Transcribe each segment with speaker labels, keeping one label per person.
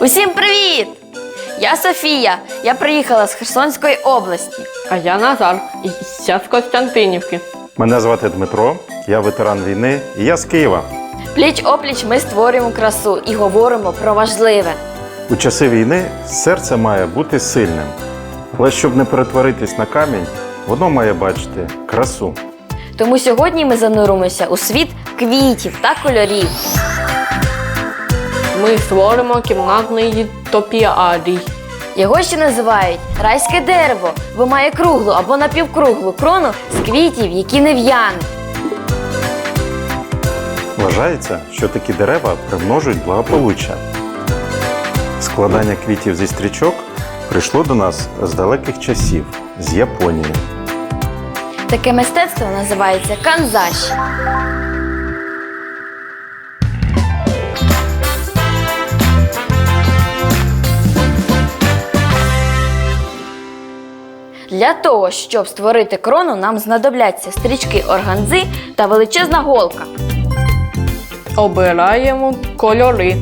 Speaker 1: Усім привіт! Я Софія. Я приїхала з Херсонської області.
Speaker 2: А я Назар, і я з Костянтинівки.
Speaker 3: Мене звати Дмитро, я ветеран війни і я з Києва.
Speaker 1: Пліч-опліч ми створюємо красу і говоримо про важливе.
Speaker 3: У часи війни серце має бути сильним. Але щоб не перетворитись на камінь, воно має бачити красу.
Speaker 1: Тому сьогодні ми зануримося у світ квітів та кольорів.
Speaker 2: Ми створимо кімнатний топіарій.
Speaker 1: Його ще називають райське дерево, бо має круглу або напівкруглу крону з квітів, які не в'януть.
Speaker 3: Вважається, що такі дерева примножують благополуччя. Складання квітів зі стрічок прийшло до нас з далеких часів, з Японії.
Speaker 1: Таке мистецтво називається канзаші. Для того, щоб створити крону, нам знадобляться стрічки органзи та величезна голка.
Speaker 2: Обираємо кольори.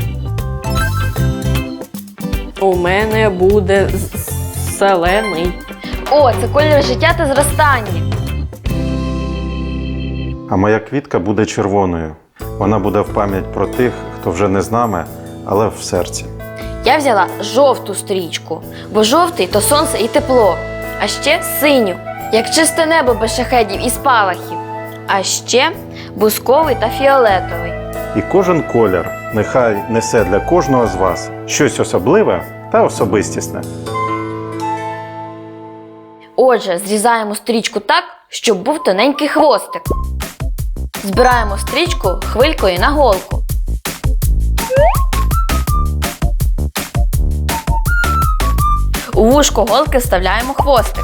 Speaker 2: У мене буде зелений.
Speaker 1: О, це колір життя та зростання.
Speaker 3: А моя квітка буде червоною. Вона буде в пам'ять про тих, хто вже не з нами, але в серці.
Speaker 1: Я взяла жовту стрічку, бо жовтий – то сонце і тепло. А ще синю, як чисте небо без шахедів і спалахів. А ще бусковий та фіолетовий.
Speaker 3: І кожен колір нехай несе для кожного з вас щось особливе та особистісне.
Speaker 1: Отже, зрізаємо стрічку так, щоб був тоненький хвостик. Збираємо стрічку хвилькою на голку. У вушко голки вставляємо хвостик.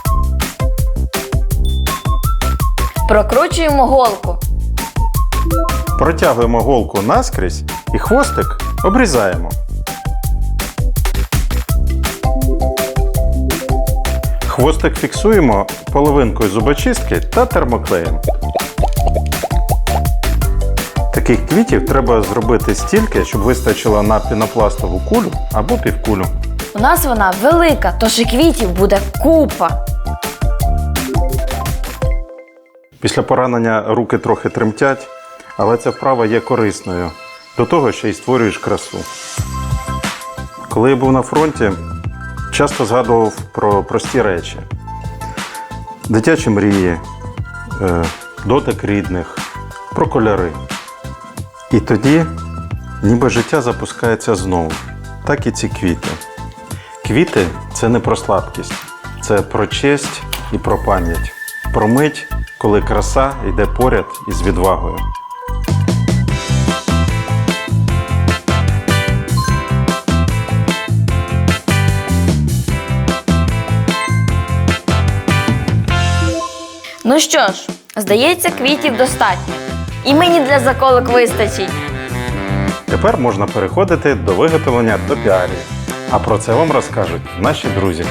Speaker 1: Прокручуємо голку.
Speaker 3: Протягуємо голку наскрізь і хвостик обрізаємо. Хвостик фіксуємо половинкою зубочистки та термоклеєм. Таких квітів треба зробити стільки, щоб вистачило на пінопластову кулю або півкулю.
Speaker 1: У нас вона велика, тож і квітів буде купа.
Speaker 3: Після поранення руки трохи тремтять, але ця вправа є корисною. До того ще й створюєш красу. Коли я був на фронті, часто згадував про прості речі. Дитячі мрії, дотик рідних, про кольори. І тоді ніби життя запускається знову. Так і ці квіти. Квіти – це не про слабкість, це про честь і про пам'ять. Про мить, коли краса йде поряд із відвагою.
Speaker 1: Ну що ж, здається, квітів достатньо. І мені для заколок вистачить.
Speaker 3: Тепер можна переходити до виготовлення топіарії. А про це вам розкажуть наші друзі.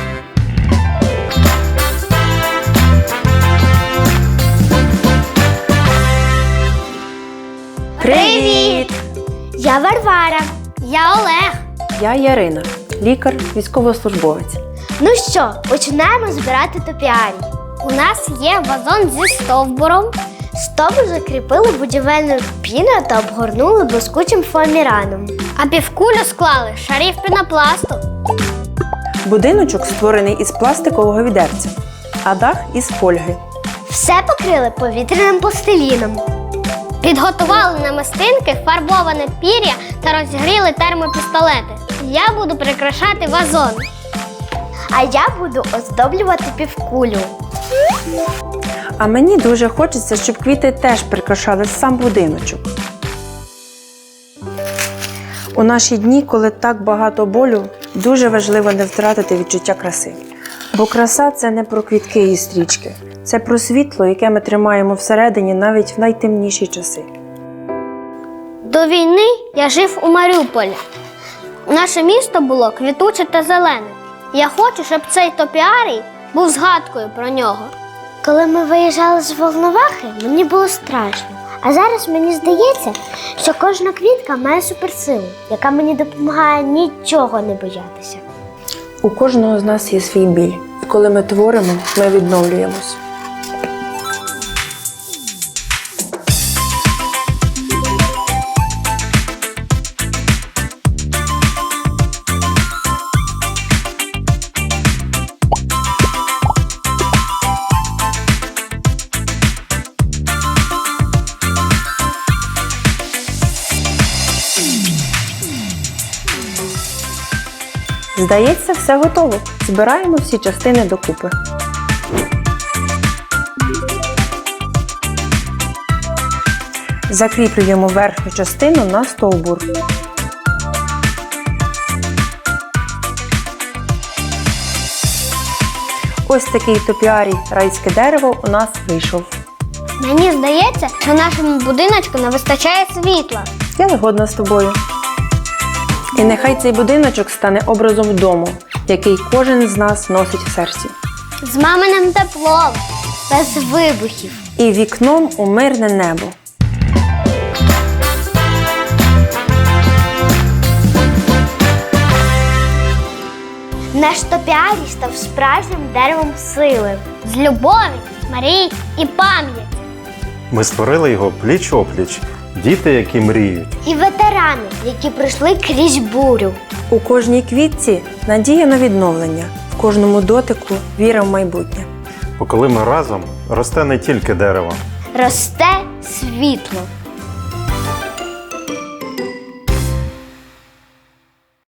Speaker 4: Привіт! Я Варвара. Я Олег.
Speaker 5: Я Ярина, лікар, військовослужбовець.
Speaker 4: Ну що, починаємо збирати топіарій. У нас є вазон зі стовбуром. Стовбур закріпили будівельною піною та обгорнули блискучим фоаміраном. А півкулю склали з шарів пінопласту.
Speaker 5: Будиночок створений із пластикового відерця, а дах із фольги.
Speaker 4: Все покрили повітряним пластиліном. Підготували намистинки, фарбоване пір'я та розігріли термопістолети. Я буду прикрашати вазон. А я буду оздоблювати півкулю.
Speaker 5: А мені дуже хочеться, щоб квіти теж прикрашали сам будиночок. У наші дні, коли так багато болю, дуже важливо не втратити відчуття краси. Бо краса – це не про квітки і стрічки. Це про світло, яке ми тримаємо всередині навіть в найтемніші часи.
Speaker 4: До війни я жив у Маріуполі. Наше місто було квітуче та зелене. Я хочу, щоб цей топіарій був згадкою про нього. Коли ми виїжджали з Волновахи, мені було страшно. А зараз мені здається, що кожна квітка має суперсилу, яка мені допомагає нічого не боятися.
Speaker 5: У кожного з нас є свій біль. І коли ми творимо, ми відновлюємось. Здається, все готово. Збираємо всі частини докупи. Закріплюємо верхню частину на стовбур. Ось такий топіарій райське дерево у нас вийшов.
Speaker 4: Мені здається, що нашому будиночку не вистачає світла.
Speaker 5: Я згодна з тобою. І нехай цей будиночок стане образом дому, який кожен з нас носить в серці.
Speaker 4: З маминим теплом, без вибухів.
Speaker 5: І вікном у мирне небо.
Speaker 4: Наш топіарій став справжнім деревом сили. З любові, мрій і пам'яті.
Speaker 3: Ми створили його пліч-опліч, діти, які мріють.
Speaker 4: І ветерани, які пройшли крізь бурю.
Speaker 5: У кожній квітці надія на відновлення, в кожному дотику віра в майбутнє.
Speaker 3: Бо коли ми разом, росте не тільки дерево,
Speaker 4: Росте світло.